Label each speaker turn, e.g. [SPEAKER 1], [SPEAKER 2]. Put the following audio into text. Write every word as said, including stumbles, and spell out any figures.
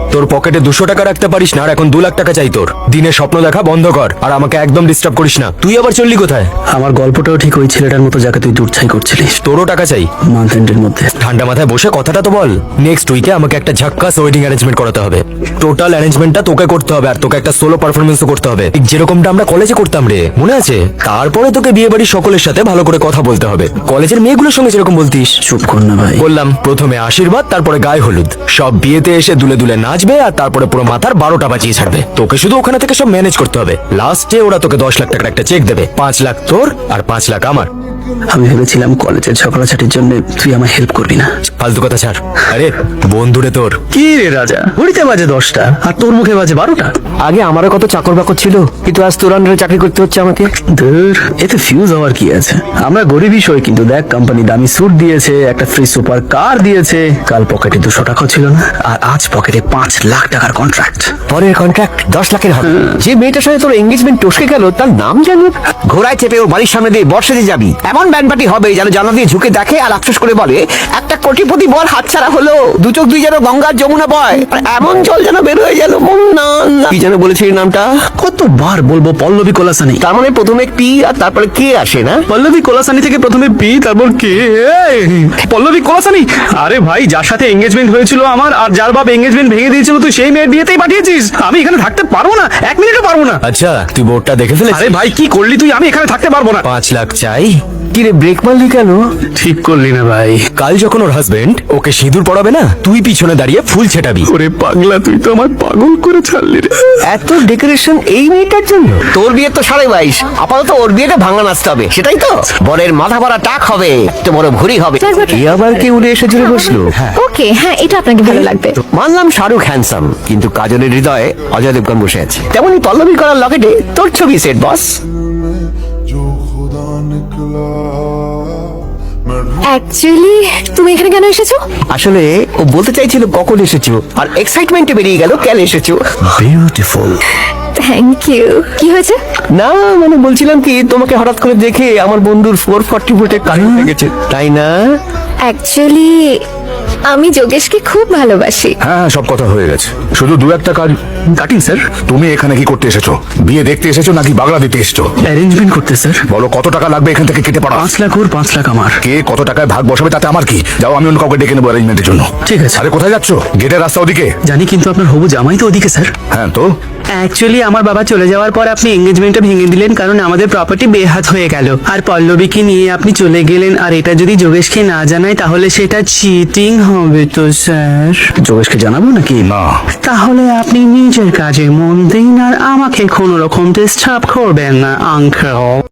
[SPEAKER 1] তোর পকেটে দুশো টাকা রাখতে পারিস না আর এখন দু লাখ টাকা চাই তোর। দিনে স্বপ্ন দেখা বন্ধ কর আর আমাকে একদম ডিস্টার্ব করিস না। তুই আবার চললি কোথায়?
[SPEAKER 2] আমার গল্পটাও ঠিক ওই ছেলেটার মতো যাকে তুই দূরছাই করছিলিস।
[SPEAKER 1] তোরও টাকা চাই
[SPEAKER 2] মান্থ এন্ডের মধ্যে।
[SPEAKER 1] ঠান্ডা মাথায় বসে কথাটা তো বল। নেক্সট উইকে আমাকে একটা ঝাক্কাস ওয়েডিং অ্যারেঞ্জমেন্ট করাতে হবে। টোটাল অ্যারেঞ্জমেন্টটা তোকে করতে হবে আর তোকে একটা সোলো পারফরমেন্সও করতে হবে, ঠিক যেরকমটা আমরা কলেজে করতাম রে, মনে আছে? তারপরে তোকে বিয়ে বাড়ির সকলের সাথে ভালো করে কথা বলতে হবে, কলেজের মেয়েগুলোর সঙ্গে যেরকম বলতিস।
[SPEAKER 2] চুপ কর না ভাই।
[SPEAKER 1] বললাম প্রথমে আশীর্বাদ, তারপরে গায়ে হলুদ, সব বিয়েতে এসে দুলে দুলে নাচবে আর তারপরে পুরো মাথার বারোটা বাজিয়ে ছাড়বে। তোকে শুধু ওখানে থেকে সব ম্যানেজ করতে হবে। লাস্টে ওরা তোকে দশ লাখ টাকার একটা চেক দেবে, পাঁচ লাখ তোর আর পাঁচ লাখ আমার।
[SPEAKER 2] আমি ভেবেছিলাম কলেজের ঝগড়াঝাটির জন্য তুই আমায় হেল্প করবি না।
[SPEAKER 1] ফালতু কথা ছাড়। আরে বন্ধুরে তোর।
[SPEAKER 2] কি রে রাজা, ঘড়িতে বাজে দশটা আর তোর মুখে বাজে বারোটা।
[SPEAKER 3] আগে আমারও কত চাকর বাকর ছিল, কিন্তু আজ তোর আন্ডারে চাকরি করতে হচ্ছে আমাকে।
[SPEAKER 2] ধুর, এতে ফিউজ হওয়ার কি আছে? আমরা গরিবই সই, কিন্তু দেখ কোম্পানি দামি স্যুট দিয়েছে, একটা ফ্রি সুপার কার দিয়েছে, কাল পকেটে দুশো টাকা ছিল না আর আজ পকেটে পাঁচ লাখ টাকার কন্ট্রাক্ট।
[SPEAKER 3] পরের কন্ট্রাক্ট দশ লাখের হবে। যে মেয়েটার সাথে তোর এঙ্গেজমেন্ট টসকে গেল তার নাম জানি। ঘোড়ায় চেপে ওর বাড়ির সামনে দিয়ে বর্ষাতে যাবি, এমন ব্যান্ড পার্টি হবে যেন জানলা দিয়ে ঝুঁকে দেখে আর আফসোস করে বলে একটা কোটিপতি বল হাতছাড়া হলো। দু চোখ দুই যেন গঙ্গার যমুনা বয়, আর এমন জল যেন বের হয়ে গেল। না না, কি যেন বলেছিস নামটা?
[SPEAKER 2] কতবার বলবো? পল্লবী কোলাসানি।
[SPEAKER 3] তার মানে প্রথমে পি আর তারপরে কে আসে না?
[SPEAKER 2] পল্লবী কোলাসানি থেকে প্রথমে পি তারপর কে? পল্লবী কোলাসানি? আরে ভাই, যার সাথে এঙ্গেজমেন্ট হয়েছিল আমার আর যার বাপ এঙ্গেজমেন্ট ভেঙে দিয়েছিল, তুই সেই মেয়ের বিয়েতেই পাঠিয়েছিস। আমি এখানে থাকতে পারবো না, এক মিনিটও পারবো না।
[SPEAKER 1] আচ্ছা তুই বোর্ডটা দেখে ফেলেছিস?
[SPEAKER 2] আরে ভাই কি করলি তুই? আমি এখানে থাকতে পারবো না।
[SPEAKER 1] পাঁচ লাখ চাই।
[SPEAKER 3] কি রে, ব্রেক মারলি কেন?
[SPEAKER 2] ঠিক করলি না ভাই।
[SPEAKER 1] কাল যখন ওর হাজবেন্ড ওকে সিঁদুর পড়াবে না, তুই পিছনে দাঁড়িয়ে ফুল ছেটাবি।
[SPEAKER 2] ওরে পাগলা, তুই তো আমার পাগল করে ছাড়লি রে।
[SPEAKER 3] এত ডেকোরেশন এই মেয়েটার জন্য? তোর বিয়ে তো সাড়ে বাইশ, আপাতত ওর বিয়েটা ভাঙা নাচতে হবে, সেটাই তো? বরের মাথা ভরা টাক হবে, একটা বড় ভুড়ি হবে। এ আবার কে উড়ে এসে জুড়ে বসলো?
[SPEAKER 4] ওকে, হ্যাঁ এটা আপনাকে ভালো লাগবে।
[SPEAKER 3] মানলাম শাহরুখ হ্যান্ডসাম, কিন্তু কাজলের হৃদয়ে অজয় দেবগন বসে আছে। তেমনি পল্লবী করার লকেটে তোর ছবি সেট বস।
[SPEAKER 5] जो खुदा निकला मैं
[SPEAKER 4] অ্যাকচুয়ালি তুমি এখানে কেন এসেছো?
[SPEAKER 3] আসলে ও বলতে চাইছিল কখন এসেছো, আর এক্সাইটমেন্টে বেরিয়ে গেল কেন এসেছো।
[SPEAKER 2] বিউটিফুল।
[SPEAKER 4] Thank you. কি হয়েছে?
[SPEAKER 3] না মানে বলছিলাম কি, তোমাকে হঠাৎ করে দেখে আমার বন্ধুর ফোর ফর্টি ভোল্টের কারেন্ট লেগেছে, তাই না?
[SPEAKER 4] অ্যাকচুয়ালি আমি যোগেশকে খুব ভালোবাসি।
[SPEAKER 6] হ্যাঁ সব কথা হয়ে গেছে, শুধু দু একটা কাজ।
[SPEAKER 2] Cutting sir.
[SPEAKER 6] তুমি এখানে কি করতে এসেছো? বিয়ে দেখতে এসেছো নাকি বাগলা দিতে এসেছো?
[SPEAKER 2] অ্যারেঞ্জমেন্ট করতে স্যার।
[SPEAKER 6] বলো কত টাকা লাগবে এখান থেকে কেটে পড়া?
[SPEAKER 2] পাঁচ লাখ ওর, পাঁচ লাখ আমার।
[SPEAKER 6] কে কত টাকায় ভাগ বসাবে তাতে আমার কি? যাও, আমি অন্য কাউকে ডেকে নেবো অ্যারেঞ্জমেন্টের জন্য।
[SPEAKER 2] ঠিক আছে।
[SPEAKER 6] আরে কোথায় যাচ্ছো? গেটের রাস্তা ওদিকে।
[SPEAKER 2] জানি, কিন্তু আপনার হবু জামাই তো ওদিকে স্যার।
[SPEAKER 6] হ্যাঁ তো
[SPEAKER 7] অ্যাকচুয়ালি আমার বাবা চলে যাওয়ার পর আপনি এঙ্গেজমেন্টটা ভেঙে দিলেন, কারণ আমাদের প্রপার্টি বেহাত হয়ে গেল। আর পল্লবীকে নিয়ে আপনি চলে গেলেন, আর এটা যদি যোগেশকে না জানায় তাহলে সেটা চিটিং হবে তো স্যার।
[SPEAKER 2] যোগেশকে জানাবো নাকি?
[SPEAKER 6] না,
[SPEAKER 7] তাহলে আপনি নিজের কাজে মন দিন আর আমাকে কোনো রকম ডিস্টার্ব করবেন না আঙ্কেল।